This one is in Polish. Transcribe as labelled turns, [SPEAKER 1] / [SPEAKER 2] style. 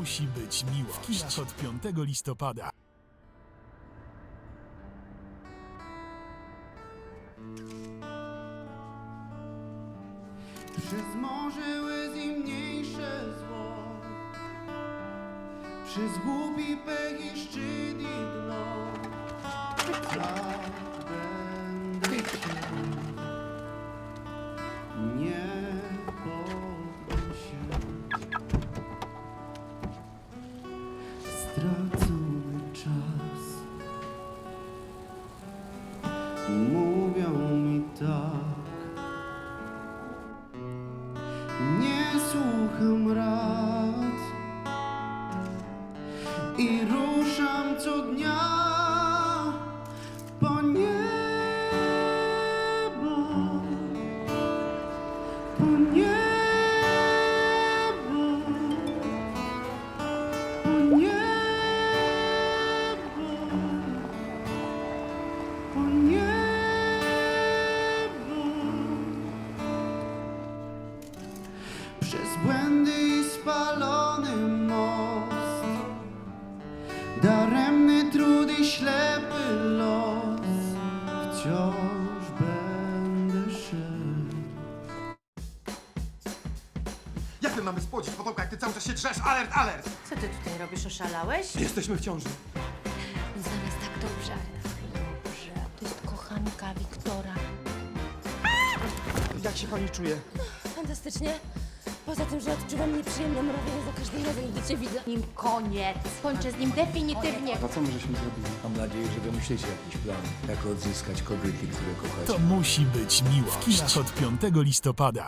[SPEAKER 1] musi być miłość. W kinach od 5 listopada.
[SPEAKER 2] Przez morze łez i mniejsze zło, przez głupi pech i szczyt i dno, tak będę cię, nie poddam się. Stracony czas, mówią mi tak. Nie słucham rad i ruszam co dnia po niebo, po niebo, po niebo, po niebo. Przez błędy i spalony most, daremny trud i ślepy los, wciąż będę szedł.
[SPEAKER 3] Jak my mamy spłodzić potomka, jak ty cały czas się drzesz? Alert, alert!
[SPEAKER 4] Co ty tutaj robisz? Oszalałeś?
[SPEAKER 3] Jesteśmy w ciąży.
[SPEAKER 4] Zamiast tak dobrze. Dobrze. To jest kochanka Wiktora.
[SPEAKER 3] Jak się pani czuje?
[SPEAKER 4] Fantastycznie. Poza tym, że odczuwam nieprzyjemną mrowienie za każdym razem, gdy cię widzę. Nim koniec. Kończę z nim definitywnie.
[SPEAKER 5] A co my żeśmy zrobili? Mam nadzieję, że wymyślicie jakiś plan, jak odzyskać kobiety, które kochacie.
[SPEAKER 1] To musi być miłość. W kinach od 5 listopada.